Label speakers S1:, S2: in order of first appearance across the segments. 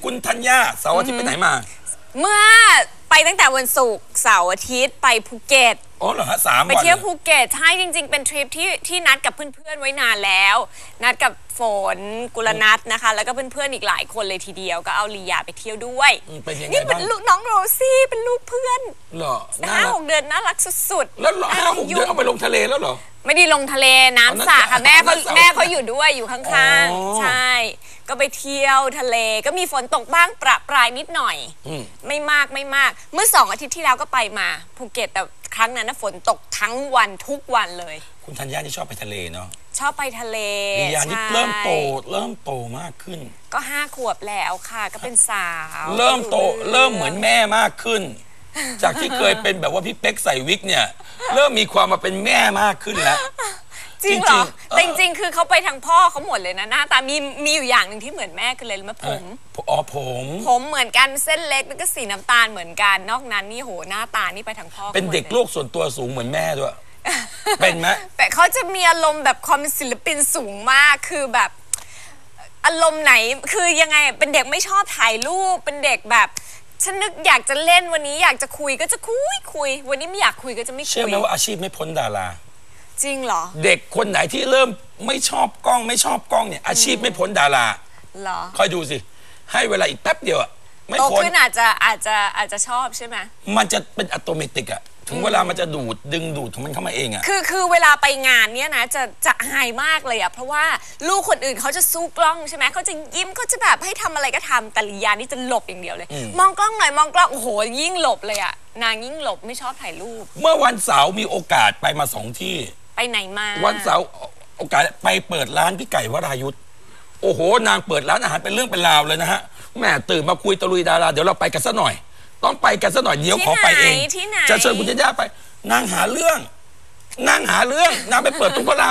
S1: คุณธัญญาเสาร์อาทิตย์ไปไหนมา
S2: เมื่อไปตั้งแต่วันศุกร์เสาร์อาทิตย์ไปภูเก็ต
S1: อ๋อเหรอฮะ3 วัน
S2: ไปเที่ยวภูเก็ตใช่จริงๆเป็นทริปที่นัดกับเพื่อนๆไว้นานแล้วนัดกับฝนกุลนัทนะคะแล้วก็เพื่อนๆอีกหลายคนเลยทีเดียวก็เอาลียาไปเที่ยวด้วยนี่เป็นลูกน้องโรซี่เป็นลูกเพื่อน
S1: เหรอ
S2: 5-6 เดือนน่ารักสุด
S1: ๆแล้ว5-6 เดือนเอาไปลงทะเลแล้วเหรอ
S2: ไม่ได้ลงทะเลน้ำสระค่ะแม่เขาอยู่ด้วยอยู่ข้างๆใช่ก็ไปเที่ยวทะเลก็มีฝนตกบ้างประปรายนิดหน่อยไม่มากเมื่อ2 อาทิตย์ที่แล้วก็ไปมาภูเก็ตแต่ครั้งนั้นฝนตกทั้งวันทุกวันเลย
S1: คุณธัญญาที่ชอบไปทะเลเนาะ
S2: ชอบไปทะเล
S1: ลียานี่เริ่มโตมากขึ้น
S2: ก็5 ขวบแล้วค่ะก็เป็นสาว
S1: เริ่มโตเริ่มเหมือนแม่มากขึ้นจากที่เคยเป็นแบบว่าพี่เป๊กใส่วิกเนี่ยเริ่มมีความมาเป็นแม่มากขึ้นแล้ว
S2: จริงเหรอแต่จริงๆคือเขาไปทางพ่อเขาหมดเลยนะหน้าตามีอยู่อย่างหนึ่งที่เหมือนแม่คืออะไรรู้ไหมผมเหมือนกันเส้นเล็กแล้วก็สีน้ำตาลเหมือนกันนอกนั้นนี่โหหน้าตานี่ไปทางพ่อ
S1: เป็นเด็กโลกส่วนตัวสูงเหมือนแม่ด้วยเป็นไหม
S2: แต่เขาจะมีอารมณ์แบบความเป็นศิลปินสูงมากคือแบบอารมณ์ไหนคือยังไงเป็นเด็กไม่ชอบถ่ายรูปเป็นเด็กแบบฉันนึกอยากจะเล่นวันนี้อยากจะคุยก็จะคุยวันนี้ไม่อยากคุยก็จะไม่คุย
S1: เชื่อไหมว่าอาชีพไม่พ้นดารา
S2: จริงเหรอ
S1: เด็กคนไหนที่เริ่มไม่ชอบกล้องเนี่ยอาชีพไม่พ้นดารา
S2: เหรอ
S1: คอยดูสิให้เวลาอีกแป๊บเดียวอะไม่
S2: พ้นโตขึ้นอาจจะชอบใช่ไหม
S1: มันจะเป็นอัตโนมัติอะถึงเวลามันจะดึงดูดของมันเข้ามาเองอะ
S2: คือเวลาไปงานเนี้ยนะจะอายมากเลยอะเพราะว่าลูกคนอื่นเขาจะสู้กล้องใช่ไหมเขาจะยิ้มเขาจะแบบให้ทำอะไรก็ทำแต่ลียานี่จะหลบอย่างเดียวเลยมองกล้องหน่อยมองกล้องโอ้โหยิ่งหลบเลยอะนางยิ่งหลบไม่ชอบถ่ายรูป
S1: เมื่อวันเสาร์มีโอกาสไปมา2 ที่
S2: ไปไหนมา
S1: วันเสาร์โอกาสไปเปิดร้านพี่ไก่วรายุทธโอ้โหนางเปิดร้านอาหารเป็นเรื่องเป็นราวเลยนะฮะแม่ตื่นมาคุยตะลุยดาราเดี๋ยวเราไปกันซะหน่อยต้องไปกันซะหน่อยเดี๋ยวขอไปเองจะเชิญคุณธัญญาไปนางหาเรื่องนางไปเปิดตรงพระราม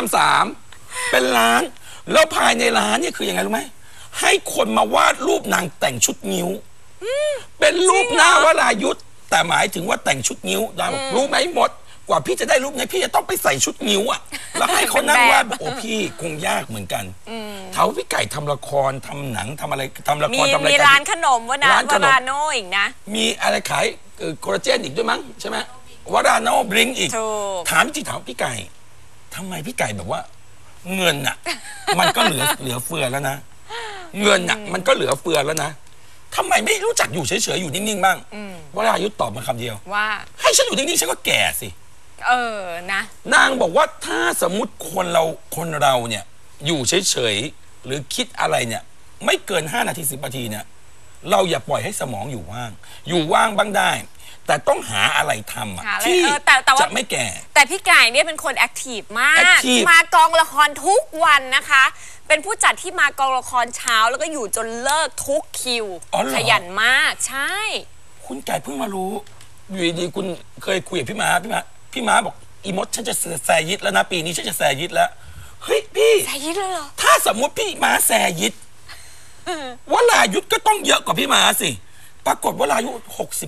S1: 3เป็นร้านแล้วภายในร้านเนี่ยคือยังไงรู้ไหมให้คนมาวาดรูปนางแต่งชุดนิ้วเป็นรูปหน้าวรายุทธแต่หมายถึงว่าแต่งชุดนิ้วนางบอกรู้ไหมหมดกว่าพี่จะได้รูปนี้พี่จะต้องไปใส่ชุดนิ้วอ่ะแล้วให้เขานั่งวาดโอ้พี่คงยากเหมือนกันเท่าพี่ไก่ทำละครทำหนังทำอะไรทำละครทำอะไร
S2: มีร้านขนมวราโนอีกนะ
S1: มีอะไรขายโคลลาเจนอีกด้วยมั้งใช่ไหมวราโนบริงอีกถามจริงถามพี่ไก่ทำไมพี่ไก่แบบว่าเงินอ่ะมันก็เหลือเฟือแล้วนะเงินอ่ะมันก็เหลือเฟือแล้วนะทำไมไม่รู้จักอยู่เฉยๆอยู่นิ่งๆบ้างวรายุทธตอบมาคำเดียว
S2: ว่า
S1: ให้ฉันอยู่นิ่งๆฉันก็แก่สิ
S2: นะ
S1: นางบอกว่าถ้าสมมุติคนเราเนี่ยอยู่เฉยๆหรือคิดอะไรเนี่ยไม่เกิน5 นาที10 นาทีเนี่ยเราอย่าปล่อยให้สมองอยู่ว่างบ้างได้แต่ต้องหาอะไรทำที่จะไม่แก่
S2: แต่พี่ไก่เนี่ยเป็นคนแอคทีฟมากมากองละครทุกวันนะคะเป็นผู้จัดที่มากองละครเช้าแล้วก็อยู่จนเลิกทุกคิวขยันมากใช่
S1: คุณไก่เพิ่งมารู้อยู่ดีๆคุณเคยคุยกับพี่ม้าบอกอีมดฉันจะแซยิดแล้วนะปีนี้ฉันจะแซยิดแล้วเฮ้ยพี่
S2: แซยิดเลยเหรอ
S1: ถ้าสมมติพี่ม้าแซยิดวรายุทธก็ต้องเยอะกว่าพี่ม้าสิปรากฏวรายุทธ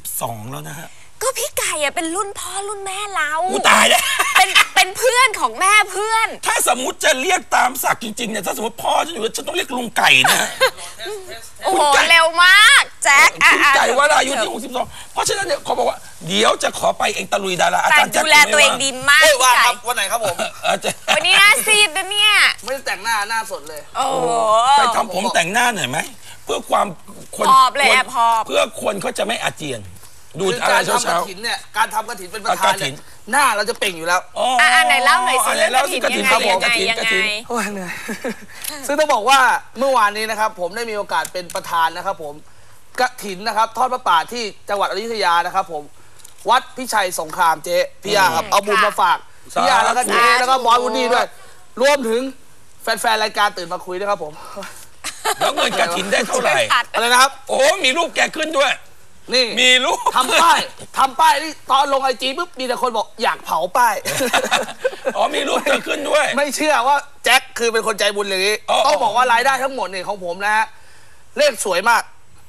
S1: 62แล้วนะฮะ
S2: ก็พี่ไก่เป็นรุ่นพ่อรุ่นแม่เรา
S1: ตายแล้ว
S2: เป็นเพื่อนของแม่เพื่อน
S1: ถ้าสมมติจะเรียกตามศักดิ์จริงๆเนี่ยถ้าสมมติพ่อฉันอยู่ฉันต้องเรียกลุงไก่นะ
S2: โอ้โหเร็วมากแจ็ค
S1: คุณไก่วรายุทธที่62เพราะฉะนั้นเนี่ยเขาบอกว่าเดี๋ยวจะขอไปเองตะลุยดาราอาจารย์แจ็ค
S2: ดูแลตัวเองดีมาก
S3: ว่าครับวันไหนครับผม
S2: วันนี้หน้าซีดนะเนี่ย
S3: ไม่ได้แต่งหน้าสดเลย
S2: โอ้
S1: ไปทำผมแต่งหน้าหน่อยไหมเพื่อความคนเพื่อคนเขาจะไม่อาเจียนดูอะไรเช้า
S3: ๆเนี่ยการทำกฐินเป็นประธานเนี่ยหน้าเราจะเปล่งอยู่แล้ว
S2: ไหนเล่าหน่อยสิเรื่องกฐินยังไง
S3: โอ้ยเหนื่อยซึ่งต้องบอกว่าเมื่อวานนี้นะครับผมได้มีโอกาสเป็นประธานนะครับผมกฐินนะครับทอดพระป่าที่จังหวัดอยุธยานะครับผมวัดพิชัยสงครามเจ๊พี่ยาครับเอาบุญมาฝากพี่ยาแล้วก็เจ๊แล้วก็บอยวูดดี้ด้วยรวมถึงแฟนๆรายการตื่นมาคุยด้วยครับผม
S1: แล้วเงินกฐินได้เท่าไหร่
S3: อะไรนะครับ
S1: โอ้มีรูปแกขึ้นด้วย
S3: นี่
S1: มีรูป
S3: ทำป้ายนี่ตอนลงIGปุ๊บมีแต่คนบอกอยากเผาป้าย
S1: มีรูปเธอขึ้นด้วย
S3: ไม่เชื่อว่าแจ็คคือเป็นคนใจบุญเลยนี้ต้องบอกว่ารายได้ทั้งหมดเนี่ยของผมนะฮะเลขสวยมาก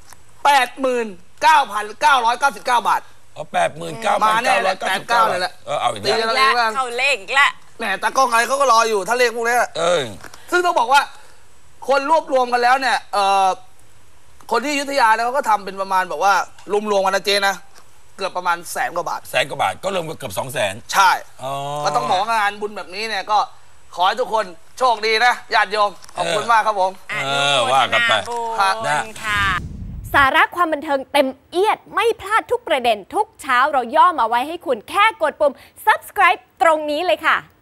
S3: 89,999 บาท
S1: มา
S3: แน่เลย89เลยแหละ
S1: เอาอีก
S2: แล้วเข้าเลขอีกแล้ว
S3: แหมตากล้องอะไรเขาก็รออยู่ถ้าเลขพวกนี้ซึ่งต้องบอกว่าคนรวบรวมกันแล้วเนี่ยคคนที่อยุธยาเนี่ยเขาก็ทำเป็นประมาณแบบว่ารวมๆกันนะเจ๊นะเกือบประมาณ100,000 กว่าบาท
S1: 100,000 กว่าบาทก็รวมเกือบ200,000
S3: ใช่ก็ต้องบอกงานบุญแบบนี้เนี่ยก็ขอให้ทุกคนโชคดีนะญาติโยมขอบคุณมากครับผม
S1: ว่ากันไป
S2: ค่ะสาระความบันเทิงเต็มเอียดไม่พลาดทุกประเด็นทุกเช้าเราย่อมาไว้ให้คุณแค่กดปุ่ม subscribe ตรงนี้เลยค่ะ